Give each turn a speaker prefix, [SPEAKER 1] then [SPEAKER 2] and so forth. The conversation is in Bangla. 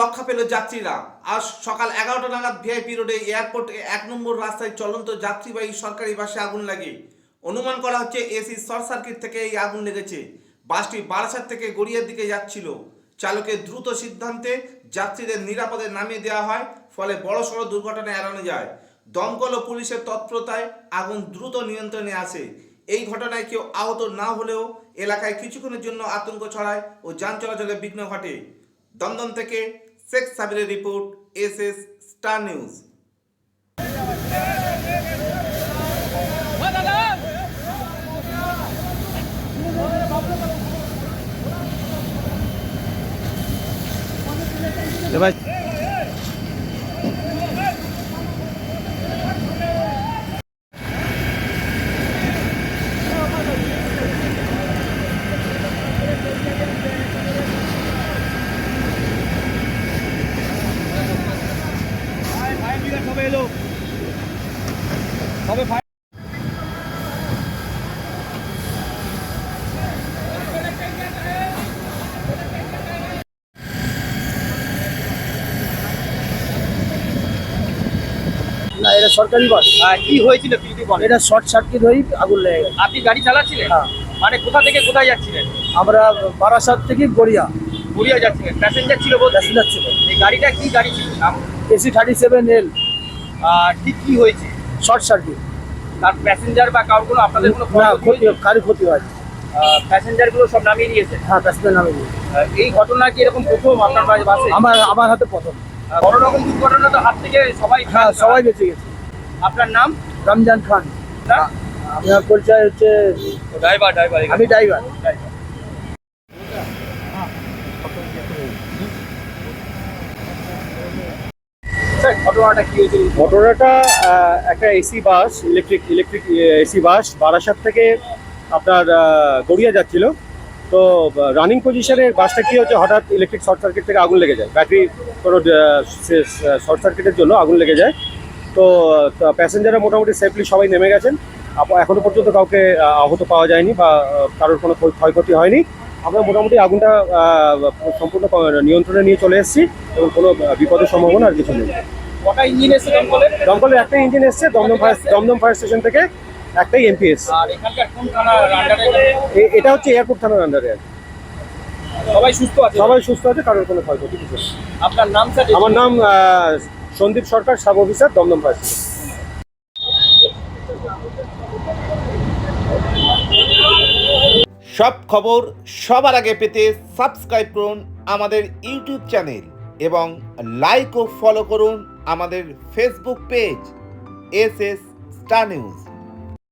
[SPEAKER 1] রক্ষা পেল যাত্রীরা। আজ সকাল 11টা নাগাদ ভিআইপি রোডে এয়ারপোর্ট 1 নম্বর রাস্তায় চলন্ত যাত্রীবাহী সরকারি বাসে আগুন লাগে। অনুমান করা হচ্ছে এসি শর্ট সার্কিট থেকে এই আগুন লেগেছে। বাসটি বারাসাত থেকে গড়িয়ার দিকে যাচ্ছিল। চালকের দ্রুত সিদ্ধান্তে যাত্রীদের নিরাপদে নামিয়ে দেওয়া হয়, ফলে বড়সড় দুর্ঘটনা এড়ানো যায়। দমকল ও পুলিশের তৎপরতায় আগুন দ্রুত নিয়ন্ত্রণে আসে। এই ঘটনায় কেউ আহত না হলেও এলাকায় কিছুক্ষণের জন্য আতঙ্ক ছড়ায় ও যান চলাচলে বিঘ্ন ঘটে। দমদম থেকে শেখ সাবিরের রিপোর্ট, এসএস স্টার নিউজ।
[SPEAKER 2] না, এটা সরকারি বাস।
[SPEAKER 3] কি হয়েছিল যদি বলেন?
[SPEAKER 2] এটা শর্ট সার্কিট হয়ে আগুন লেগে গেছে।
[SPEAKER 3] আপনি গাড়ি চালাচ্ছিলেন?
[SPEAKER 2] হ্যাঁ।
[SPEAKER 3] মানে কোথা থেকে কোথায় যাচ্ছিলেন?
[SPEAKER 2] আমরা বারাসাত থেকে গড়িয়া
[SPEAKER 3] গড়িয়া যাচ্ছিলেন, প্যাসেঞ্জার ছিল বলতে?
[SPEAKER 2] প্যাসেঞ্জার ছিল।
[SPEAKER 3] এই গাড়িটা কি গাড়ি ছিল? নাম?
[SPEAKER 2] AC 37L।
[SPEAKER 3] ঠিক কি হয়েছে?
[SPEAKER 2] Short circuit.
[SPEAKER 3] তার প্যাসেঞ্জার বা কারোর কোনো আপনাদের কোনো
[SPEAKER 2] না, ক্ষতি কারো ক্ষতি হয়।
[SPEAKER 3] প্যাসেঞ্জার গুলো সব নামিয়ে দিয়েছে?
[SPEAKER 2] হ্যাঁ, প্যাসেঞ্জার নামে দিয়েছে।
[SPEAKER 3] এই ঘটনা কি এরকম প্রথম আপনার বাসে?
[SPEAKER 2] আমার হাতে প্রথম।
[SPEAKER 3] বড় রকম দুর্ঘটনা তো হাত থেকে সবাই।
[SPEAKER 2] হ্যাঁ, সবাই বেঁচে গেছে।
[SPEAKER 3] আপনার নাম?
[SPEAKER 2] রমজান খান।
[SPEAKER 3] না?
[SPEAKER 2] আপনার পরিচয় হচ্ছে?
[SPEAKER 3] ড্রাইভার।
[SPEAKER 2] আমি ড্রাইভার।
[SPEAKER 3] ঘটনাটা কি হয়েছিল?
[SPEAKER 4] ঘটনাটা একটা AC bus, electric AC bus Barasat থেকে আপনার গড়িয়া যাচ্ছিল। তো রানিং পজিশনে বাসটা কি হচ্ছে, হঠাৎ ইলেকট্রিক শর্ট সার্কিট থেকে আগুন লেগে যায়। ব্যাটারি কোনো শর্ট সার্কিটের জন্য আগুন লেগে যায়। তো প্যাসেঞ্জাররা মোটামুটি সেফলি সবাই নেমে গেছেন। এখনো পর্যন্ত কাউকে আহত পাওয়া যায়নি বা কারোর কোনো ক্ষয়ক্ষতি হয়নি। আমরা মোটামুটি আগুনটা সম্পূর্ণ নিয়ন্ত্রণে নিয়ে চলে এসেছি এবং কোনো বিপদের সম্ভাবনা আর কিছু নেই।
[SPEAKER 3] কটা ইঞ্জিন এসে
[SPEAKER 4] দমকলের একটাই ইঞ্জিন এসছে দমদম ফায়ার স্টেশন থেকে, একটাই এমপি এসছে।
[SPEAKER 3] আর এখানকার কোন থানার আন্ডারে?
[SPEAKER 4] এটা হচ্ছে এয়ারপোর্ট থানার আন্ডারে।
[SPEAKER 3] সবাই সুস্থ আছে?
[SPEAKER 4] সবাই সুস্থ আছে, কারোর কোনো ক্ষয়ক্ষতি কিছু নেই।
[SPEAKER 3] আপনার নাম স্যার?
[SPEAKER 4] আমার নাম Sandip Sarkar, sub officer, Dumdum fire station.
[SPEAKER 1] সব খবর সবার আগে পেতে সাবস্ক্রাইব করুন আমাদের ইউটিউব চ্যানেল এবং লাইক ও ফলো করুন আমাদের Facebook page, SS star news.